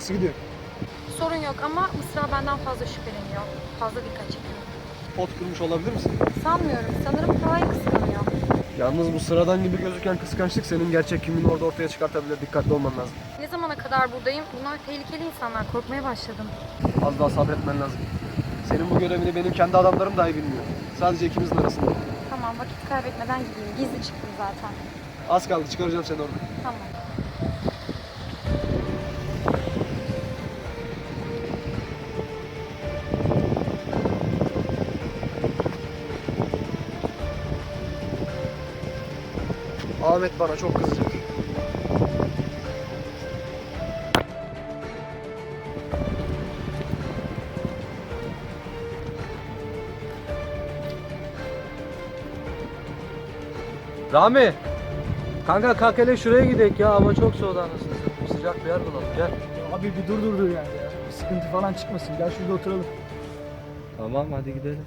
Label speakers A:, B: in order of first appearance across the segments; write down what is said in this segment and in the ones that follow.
A: Nasıl gidiyor?
B: Sorun yok ama Mısra benden fazla şüpheleniyor. Fazla dikkat çekiyor.
A: Pot kurmuş olabilir misin?
B: Sanmıyorum. Sanırım Taha'yı kıskanıyor.
A: Yalnız bu sıradan gibi gözüken kıskançlık senin gerçek kimliğini orada ortaya çıkartabilir. Dikkatli olman lazım.
B: Ne zamana kadar buradayım? Bunlar tehlikeli insanlar. Korkmaya başladım.
A: Az daha sabretmen lazım. Senin bu görevini benim kendi adamlarım dahi bilmiyor. Sadece ikimizin arasında.
B: Tamam, vakit kaybetmeden gideyim. Gizli çıktım zaten.
A: Az kaldı, çıkaracağım seni orada.
B: Tamam.
A: Ahmet bana çok kızacak. Rami! Kanka kalk hele şuraya gidelim ya, hava çok soğudu anasını satayım. Sıcak bir yer bulalım, gel.
C: Abi bir dur yani ya. Bir sıkıntı falan çıkmasın. Gel şurada oturalım.
A: Tamam, hadi gidelim.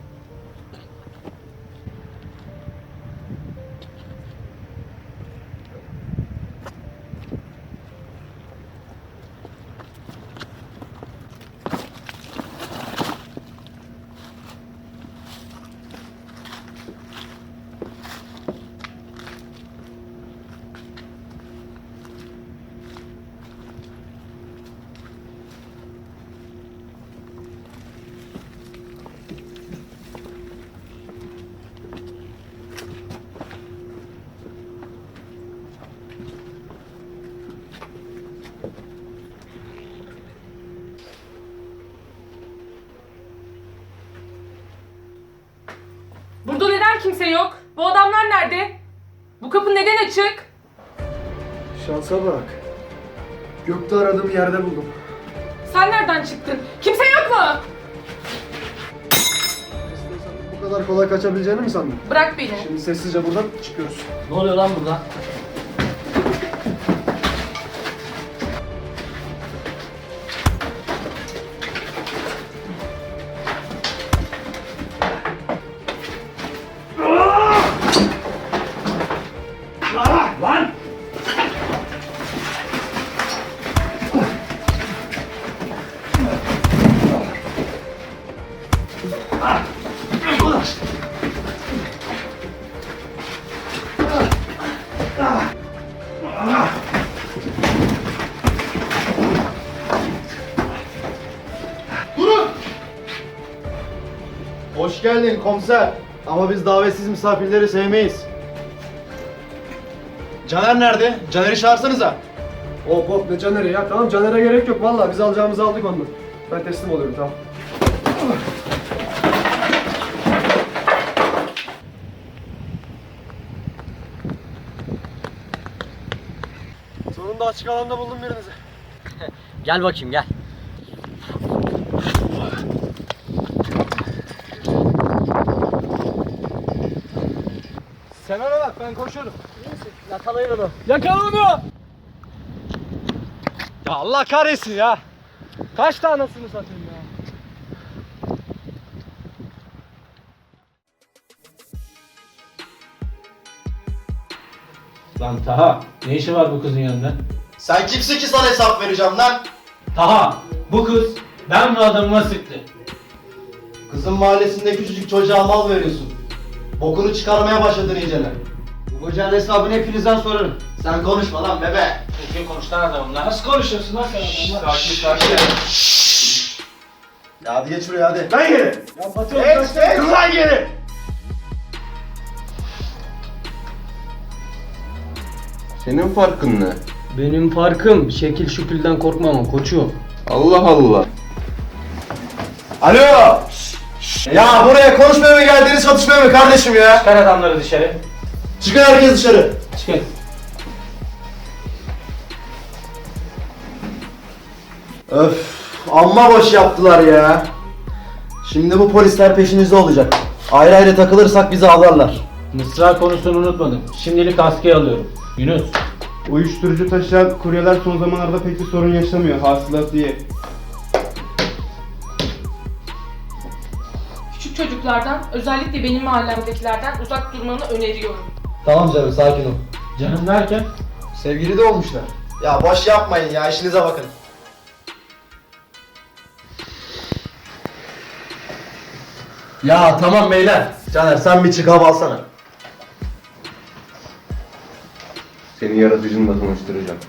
D: Burada neden kimse yok? Bu adamlar nerede? Bu kapı neden açık?
A: Şansa bak. Gökte aradığım yerde buldum.
D: Sen nereden çıktın? Kimse yok mu?
A: Bu kadar kolay kaçabileceğini mi sandın?
D: Bırak beni.
A: Şimdi sessizce buradan çıkıyoruz.
C: Ne oluyor lan burada?
E: Hoş geldin komiser. Ama biz davetsiz misafirleri sevmeyiz. Caner nerede? Caner'i çağırsanıza.
A: Hop hop, ne Caner'e ya? Tamam, Caner'e gerek yok. Vallahi biz alacağımızı aldık ondan. Ben teslim oluyorum, tamam. Sonunda açık alanda buldum birinizi.
C: Gel bakayım gel.
A: Sen ona bak, ben koşuyorum.
C: Yakalayın onu.
A: Yakala onu! Ya Allah kahretsin ya! Kaç tanesini satayım ya?
F: Lan Taha, ne işi var bu kızın yanında?
E: Sen kimsin ki sana hesap vereceğim lan?
F: Taha, bu kız ben bu adamıma sıktı.
E: Kızın mahallesinde küçücük çocuğa mal veriyorsun. Bokunu çıkarmaya başladın iyicene. Bu kocanın hesabını hepinizden sorarım. Sen konuşma lan bebe.
F: Kim konuştan adamlar? Nasıl konuşuyorsun lan sen adamla?
E: Sakin. Ya hadi geç şuraya hadi.
A: Lan geri!
C: Ya Batu
E: Geç lan geri.
G: Senin farkın ne?
C: Benim farkım şekil şükülden korkmamam koçum.
G: Allah Allah.
E: Alo. Ya buraya konuşmaya mı geldiniz, çatışmaya mı kardeşim ya?
F: Çıkar adamları dışarı.
E: Çıkın herkes dışarı.
F: Çıkın.
E: Öf, amma boş yaptılar ya. Şimdi bu polisler peşimizde olacak. Ayrı ayrı takılırsak bizi avlarlar.
F: Mısra konusunu unutmadım. Şimdilik askıya alıyorum. Yunus.
H: Uyuşturucu taşıyan kuryeler son zamanlarda pek bir sorun yaşamıyor. Hasılat iyi.
D: Küçük çocuklardan, özellikle benim mahallemdekilerden uzak durmanı öneriyorum.
E: Tamam canım, sakin ol.
F: Canım derken?
E: Sevgili de olmuşlar. Ya boş yapmayın ya, işinize bakın. Ya tamam beyler. Caner sen bir çık hava alsana.
G: Seni yaratıcınla tanıştıracağım.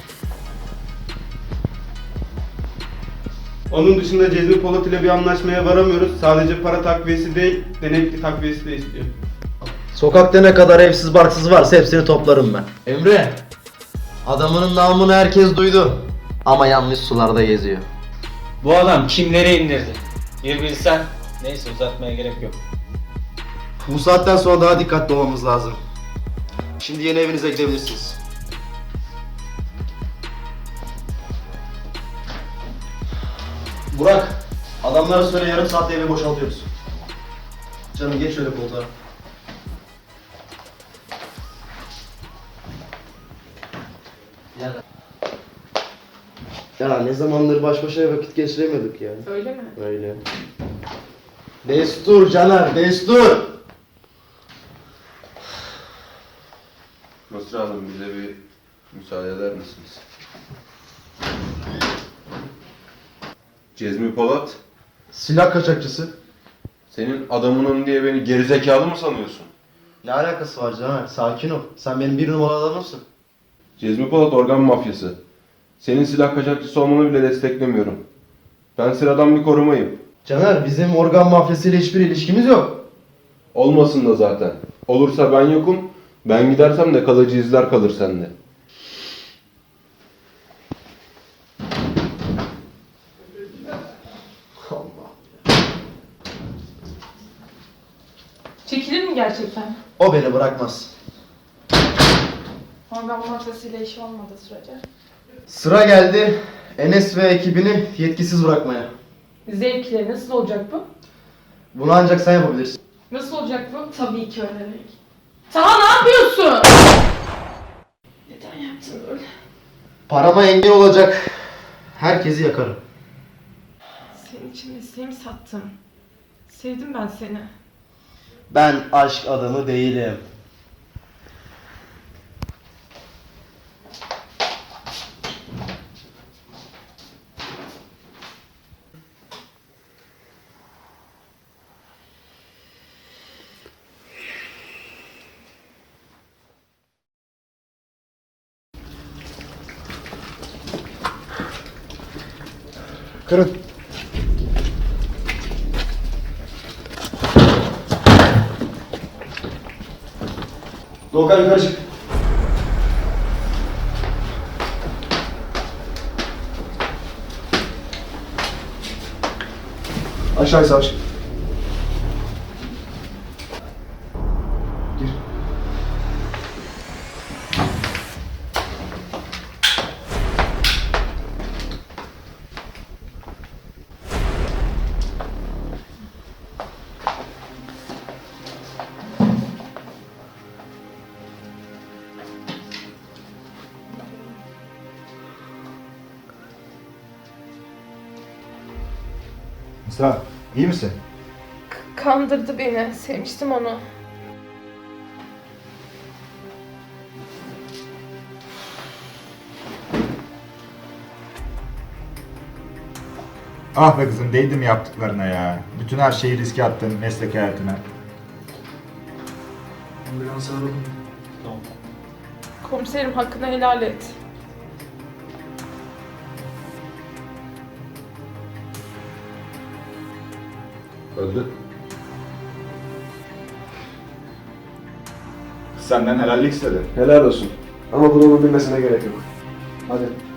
H: Onun dışında Cezmi Polat ile bir anlaşmaya varamıyoruz. Sadece para takviyesi değil, denekli takviyesi de istiyor.
E: Sokakta ne kadar evsiz barksız varsa hepsini toplarım ben. Emre. Adamının namını herkes duydu. Ama yanlış sularda geziyor.
F: Bu adam kimleri indirdi? Bir bilsen. Neyse uzatmaya gerek yok.
E: Bu saatten sonra daha dikkatli olmamız lazım. Şimdi yeni evinize gidebilirsiniz. Burak, adamlara söyle yarım saatte evi boşaltıyoruz. Canım geç şöyle koltuğa. Ya ne zamandır baş başa vakit geçiremiyorduk ya.
D: Öyle mi?
E: Öyle. Destur Caner, destur!
G: Mısra Hanım bize bir müsaade eder misiniz? Cezmi Polat,
E: Silah kaçakçısı.
G: senin adamının diye beni gerizekalı mı sanıyorsun?
E: Ne alakası var Caner? Sakin ol. Sen benim bir numaralı adamımsın.
G: Cezmi Polat organ mafyası. Senin silah kaçakçısı olmanı bile desteklemiyorum. Ben sıradan bir korumayım.
E: Caner, bizim organ mafyasıyla hiçbir ilişkimiz yok.
G: Olmasın da zaten. Olursa ben yokum. Ben gidersem de kalıcı izler kalır sende.
D: Çekilir mi gerçekten?
E: O beni bırakmaz.
D: Organ mafyasıyla işi olmadığı sürece.
E: Sıra geldi Enes ve ekibini yetkisiz bırakmaya.
D: Zevkleri nasıl olacak bu?
E: Bunu ancak sen yapabilirsin.
D: Nasıl olacak bu? Tabii ki öğrenerek. Taha ne yapıyorsun? Neden yaptın böyle?
E: Parama engel olacak herkesi yakarım.
D: Senin için mesleğimi sattım. Sevdim ben seni.
E: Ben aşk adamı değilim.
C: Kırın.
E: Doğukan yukarı çık. Aşağı savaş. Gir.
I: Mısra, iyi misin?
D: Kandırdı beni. Sevmiştim onu.
I: Ah be kızım, değdi mi yaptıklarına ya? Bütün her şeyi riske attın meslek hayatına.
C: Ambulans aradım.
D: Komiserim hakkını helal et.
G: Öldü.
I: Kız senden helallik istedi.
H: Helal olsun. Ama bunu onun bilmesine gerek yok. Hadi.